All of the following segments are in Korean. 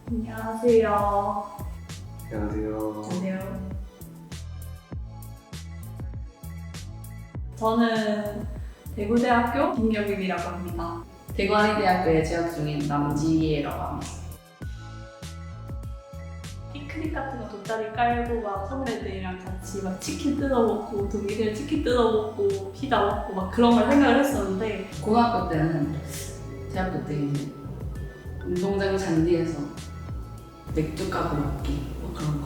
안녕하세요. 안녕하세요. 안녕하세요. 저는 대구대학교 김경임이라고 합니다. 대구한의대학교에 재학 중인 남지혜라고 합니다. 피크닉 같은 거 돗자리 깔고 막 선배들이랑 같이 막 치킨 뜯어 먹고 동기들 치킨 뜯어 먹고 피자 먹고 막 그런 걸 생각을 했었는데 고등학교 때는 대학교 때 이제 운동장 잔디에서 맥주 까고 먹기 뭐 그런 거.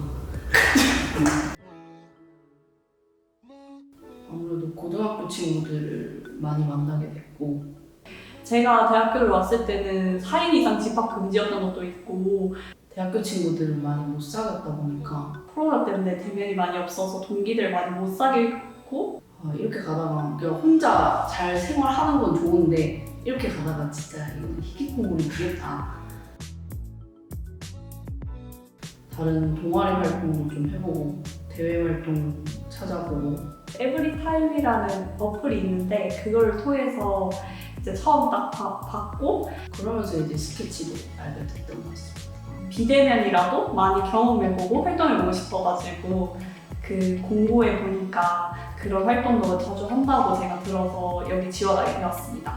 아무래도 고등학교 친구들을 많이 만나게 됐고 제가 대학교를 왔을 때는 4인 이상 집합 금지였던 것도 있고 대학교 친구들을 많이 못 사귀었다 보니까 코로나 때문에 대면이 많이 없어서 동기들 많이 못 사귀고 이렇게 가다가 그냥 혼자 잘 생활하는 건 좋은데 이렇게 가다가 진짜 이건 희귀콩물이 되겠다. 다른 동아리 활동도 좀 해보고 대외 활동 찾아보고 에브리타임이라는 어플이 있는데 그걸 통해서 이제 처음 딱 봤고 그러면서 이제 스케치도 알게 됐던 것 같습니다. 비대면이라도 많이 경험해보고 활동해보고 싶어가지고 그 공고에 보니까 그런 활동도 자주 한다고 제가 들어서 여기 지원하게 되었습니다.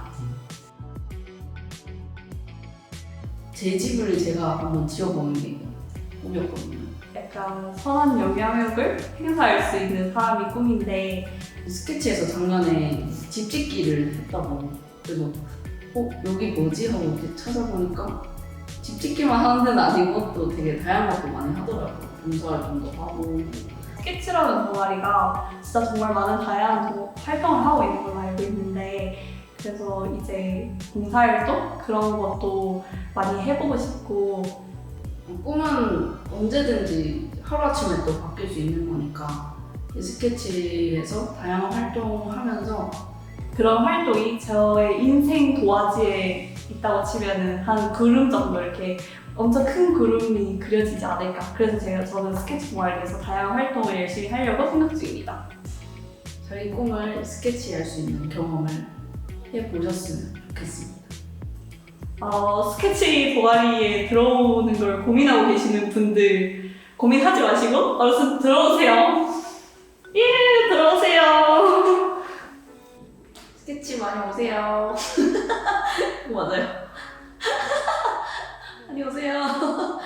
제 집을 제가 한번 지어보는 게 꿈이었거든요. 약간 선한 영향력을 행사할 수 있는 사람이 꿈인데 스케치에서 작년에 집 짓기를 했다고 그래서 여기 뭐지? 하고 이렇게 찾아보니까 집 짓기만 하는 데는 아니고 또 되게 다양한 것도 많이 하더라고요. 봉사활동도 하고 스케치라는 동아리가 진짜 정말 많은 다양한 활동을 하고 있는 걸로 알고 있는데 그래서 이제 봉사활동 그런 것도 많이 해보고 싶고 꿈은 언제든지 하루아침에 또 바뀔 수 있는 거니까 이 스케치에서 다양한 활동하면서 그런 활동이 저의 인생 도화지에 있다고 치면은 한 구름 정도 이렇게 엄청 큰 구름이 그려지지 않을까. 그래서 저는 스케치 동아리에서 다양한 활동을 열심히 하려고 생각 중입니다. 저희 꿈을 스케치할 수 있는 경험을 해보셨으면 좋겠습니다. 스케치 동아리에 들어오는 걸 고민하고 계시는 분들 고민하지 마시고 얼른 들어오세요. 예, 들어오세요. 스케치 많이 오세요. 맞아요. 많이 오세요.